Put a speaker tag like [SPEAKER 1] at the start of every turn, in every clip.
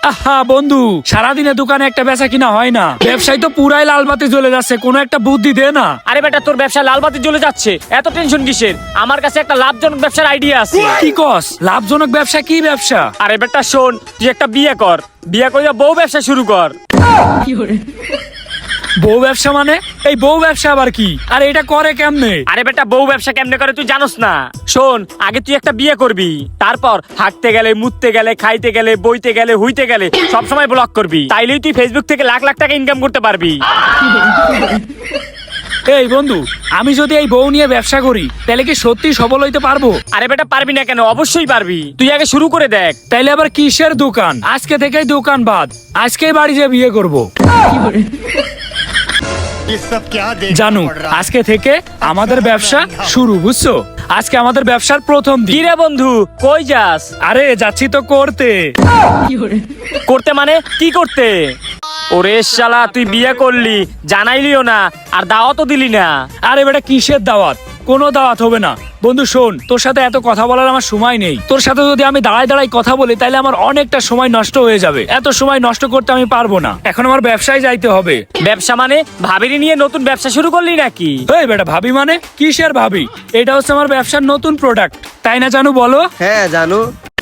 [SPEAKER 1] আহা বন্ধু, সারাদিনে দোকানে একটা বেচা কিনা হয় না, ব্যবসায় তো পুরাই লাল বাতি জ্বলে যাচ্ছে, কোনো একটা বুদ্ধি দে না।
[SPEAKER 2] আরে বেটা, তোর ব্যবসা লাল বাতি জ্বলে যাচ্ছে, এত টেনশন কিসের? আমার কাছে একটা লাভজনক ব্যবসার আইডিয়া আছে।
[SPEAKER 1] কি কস? লাভজনক ব্যবসা? কি ব্যবসা?
[SPEAKER 2] আরে বেটা শোন, তুই একটা বিয়ে কর, বিয়ে করে বউ ব্যবসা শুরু কর।
[SPEAKER 1] বউ ব্যবসা মানে? এই বউ ব্যবসা আবার কি? আর এটা করে কেমনে?
[SPEAKER 2] আরে বেটা, বউ ব্যবসা কেমনে করে তুই জানোস না? শোন, আগে তুই একটা বিয়ে করবি, তারপর হাঁটতে গেলে, মুততে গেলে, খাইতে গেলে, বইতে গেলে, হুইতে গেলে সব সময় ব্লগ করবি। তাইলেই তুই ফেসবুক থেকে লাখ লাখ টাকা ইনকাম করতে পারবি।
[SPEAKER 1] এই বন্ধু, আমি যদি এই বউ নিয়ে ব্যবসা করি তাহলে কি সত্যি সফল হইতে পারবো?
[SPEAKER 2] আরে বেটা, পারবি না কেন? অবশ্যই পারবি, তুই আগে শুরু করে দেখ।
[SPEAKER 1] তাইলে আবার কিসের দোকান? আজকে থেকেই দোকান বাদ, আজকেই বাড়ি যেয়ে বিয়ে করবো। জানু, আজকে থেকে আমাদের ব্যবসা শুরু, বুঝছো? আজকে আমাদের ব্যবসার প্রথম
[SPEAKER 2] কি
[SPEAKER 1] দিন।
[SPEAKER 2] রে বন্ধু, কই যাস?
[SPEAKER 1] আরে যাচ্ছি তো করতে।
[SPEAKER 2] করতে মানে কি করতে? ওরে শালা, তুই বিয়ে করলি, জানাইলিও না, আর দাওয়াতও দিলি না।
[SPEAKER 1] আরে বেটা, কিসের দাওয়াত? কোনো দাওয়াত হবে না। বন্ধু শোন, তোর সাথে এত কথা বলার আমার সময় নেই। তোর সাথে যদি আমি দাঁড়ায় দাঁড়ায় কথা বলি তাহলে আমার অনেকটা সময় নষ্ট হয়ে যাবে। এত সময় নষ্ট করতে আমি পারবো না। এখন আমার ব্যবসায় যাইতে হবে।
[SPEAKER 2] ব্যবসা মানে? ভাবিনি নিয়ে নতুন ব্যবসা শুরু করলি নাকি?
[SPEAKER 1] এই বেটা, ভাবি মানে? কিসের ভাবি? এটা হচ্ছে আমার ব্যবসার নতুন প্রোডাক্ট, তাই না জানু? বলো।
[SPEAKER 3] হ্যাঁ জানু।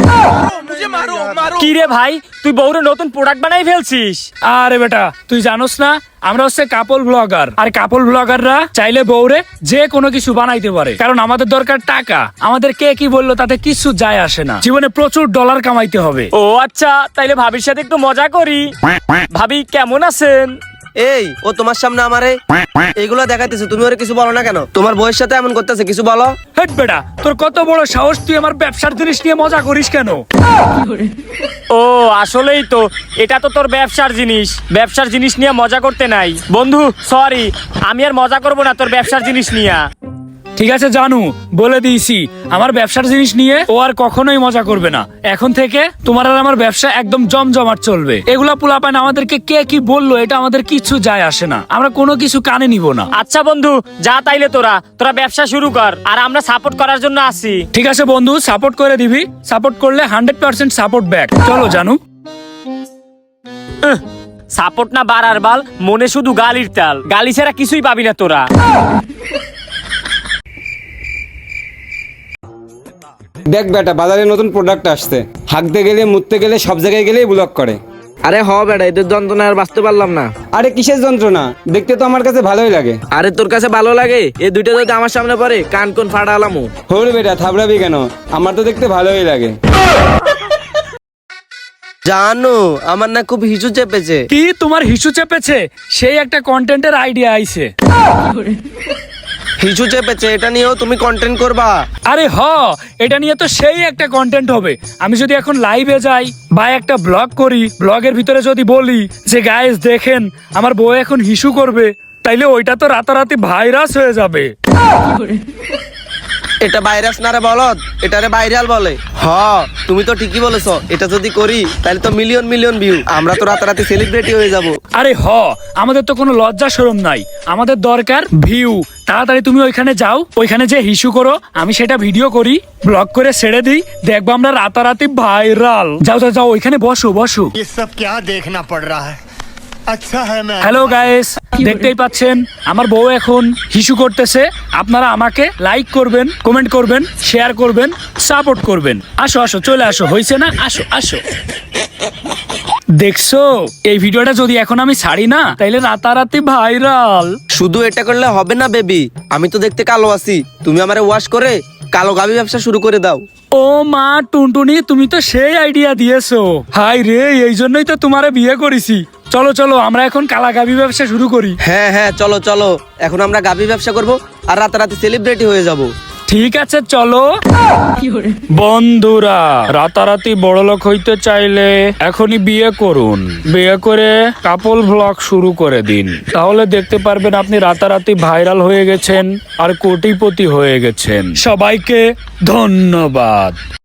[SPEAKER 2] কি রে ভাই, তুই বউরে নতুন প্রোডাক্ট বানাই ফেলছিস?
[SPEAKER 1] আরে বেটা, তুই জানোস না আমরা হচ্ছে কাপল ব্লগার, আর কাপল ব্লগাররা চাইলে বউরে যে কোনো কিছু বানাইতে পারে। কারণ আমাদের দরকার টাকা। আমাদের কে কি বললো তাতে কিছু যায় আসে না। জীবনে প্রচুর ডলার কামাইতে হবে।
[SPEAKER 2] ও আচ্ছা, তাইলে ভাবির সাথে একটু মজা করি। ভাবি কেমন আছেন?
[SPEAKER 3] এই, ও তোমার সামনে আমারে এইগুলা দেখাইতেছে, তুমি ওরে কিছু বলো না কেন? তোমার বউয়ের সাথে এমন করতেছে, কিছু বলো।
[SPEAKER 1] হেট বেটা, তোর কত বড় সাহস, তুই আমার ব্যবসার জিনিস নিয়ে মজা করিস কেন?
[SPEAKER 2] ও আসলেই তো, এটা তো তোর ব্যবসার জিনিস, ব্যবসার জিনিস নিয়ে মজা করতে নাই। বন্ধু সরি, আমি আর মজা করব না তোর ব্যবসার জিনিস নিয়ে।
[SPEAKER 1] ঠিক আছে জানু, বলে দিয়েছি আমার ব্যবসার জিনিস নিয়ে ও আর কখনোই মজা করবে না। এখন থেকে তোমার আর আমার ব্যবসা একদম জমজমাট চলবে। এগুলা পোলাপান আমাদেরকে কে কি বললো এটা আমাদের কিছু যায় আসে না, আমরা কোনো কিছু কানে নিব না।
[SPEAKER 2] আচ্ছা বন্ধু, যা তাইলে তোরা তোরা ব্যবসা শুরু কর, আর আমরা সাপোর্ট করার জন্য আছি।
[SPEAKER 1] ঠিক আছে বন্ধু, সাপোর্ট করে দিবি। সাপোর্ট করলে 100% সাপোর্ট ব্যাক। চলো জানু।
[SPEAKER 2] সাপোর্ট না বাড়ার বাল, মনে শুধু গালির তাল। গালি ছাড়া কিছুই পাবি না তোরা।
[SPEAKER 4] দেখ বেটা, বাজারে নতুন প্রোডাক্ট আসছে, হাঁকতে গেলে, মুততে গেলে, সব জায়গায় গেলেই ব্লক করে।
[SPEAKER 5] আরে হ বেটা, এদের যন্ত্রণা আর বাঁচতে পারলাম না।
[SPEAKER 4] আরে কিসের যন্ত্রণা? দেখতে তো আমার কাছে ভালোই লাগে।
[SPEAKER 5] আরে তোর কাছে ভালো লাগে? এই দুইটা যদি আমার সামনে পড়ে কান কোন ফাটা আলামু।
[SPEAKER 4] হোর বেটা, থাবড়াবি কেন? আমার তো দেখতে ভালোই লাগে।
[SPEAKER 3] জানু, আমার না খুব হিসু চেপেছে।
[SPEAKER 1] কি তোমার হিসু চেপেছে? সেই একটা কন্টেন্টের আইডিয়া আইছে।
[SPEAKER 3] হিসু চেপেছে, এটা নিয়েও তুমি কন্টেন্ট করবা?
[SPEAKER 1] আরে হ, এটা নিয়ে তো সেই একটা কন্টেন্ট হবে। আমি যদি এখন লাইভে যাই বা একটা ব্লগ করি, ব্লগের ভিতরে যদি বলি যে গাইস দেখেন আমার বউ এখন হিসু করবে, তাইলে ওইটা তো রাতারাতি ভাইরাস হয়ে যাবে।
[SPEAKER 3] এটা ভাইরাস না রে বলদ, এটারে ভাইরাল বলে। হ, তুমি তো ঠিকই বলেছো, এটা যদি করি তাহলে তো মিলিয়ন মিলিয়ন ভিউ, আমরা তো রাতারাতি সেলিব্রিটি হয়ে যাব।
[SPEAKER 1] আরে হ, আমাদের তো কোনো লজ্জা শরম নাই, আমাদের দরকার ভিউ। তাড়াতাড়ি তুমি ওইখানে যাও, ওইখানে যে হিসু করো, আমি সেটা ভিডিও করি, ব্লগ করে ছেড়ে দিই, দেখবো আমরা রাতারাতি ভাইরাল। যাও যাও যাও, ওইখানে বসো বসো।
[SPEAKER 6] ये सब क्या देखना पड़ रहा है? अच्छा है मैं
[SPEAKER 1] হ্যালো গাইস, দেখতেই পাচ্ছেন আমার বউ এখন হিসু করতেছে। আপনারা আমাকে লাইক করবেন, কমেন্ট করবেন, শেয়ার করবেন, সাপোর্ট করবেন। আসো আসো, চলে আসো, হইছে না? আসো আসো। দেখছো, এই ভিডিওটা যদি এখন আমি ছাড়ি না তাইলে রাতারাতি ভাইরাল।
[SPEAKER 3] শুধু এটা করলে হবে না বেবি, আমি তো দেখতে কালো আছি, তুমি আমারে ওয়াশ করে কালো গাবি ব্যবসা শুরু করে দাও।
[SPEAKER 1] ও মা টুনটুনি, তুমি তো সেই আইডিয়া দিয়েছো। হাই রে, এই জন্যই তো তোমারে বিয়ে করেছি। চলো চলো, আমরা এখন কালাগাবি ব্যবসা শুরু করি।
[SPEAKER 3] হ্যাঁ হ্যাঁ, চলো চলো, এখন আমরা গাবি ব্যবসা করব আর রাতারাতি সেলিব্রিটি হয়ে যাব।
[SPEAKER 1] ঠিক আছে চলো। বন্ধুরা, রাতারাতি বড়লোক হইতে চাইলে এখনই বিয়ে করুন। বিয়ে করে কাপল ব্লগ শুরু করে দিন, তাহলে দেখতে পারবেন আপনি রাতারাতি ভাইরাল হয়ে গেছেন আর কোটিপতি হয়ে গেছেন। সবাইকে ধন্যবাদ।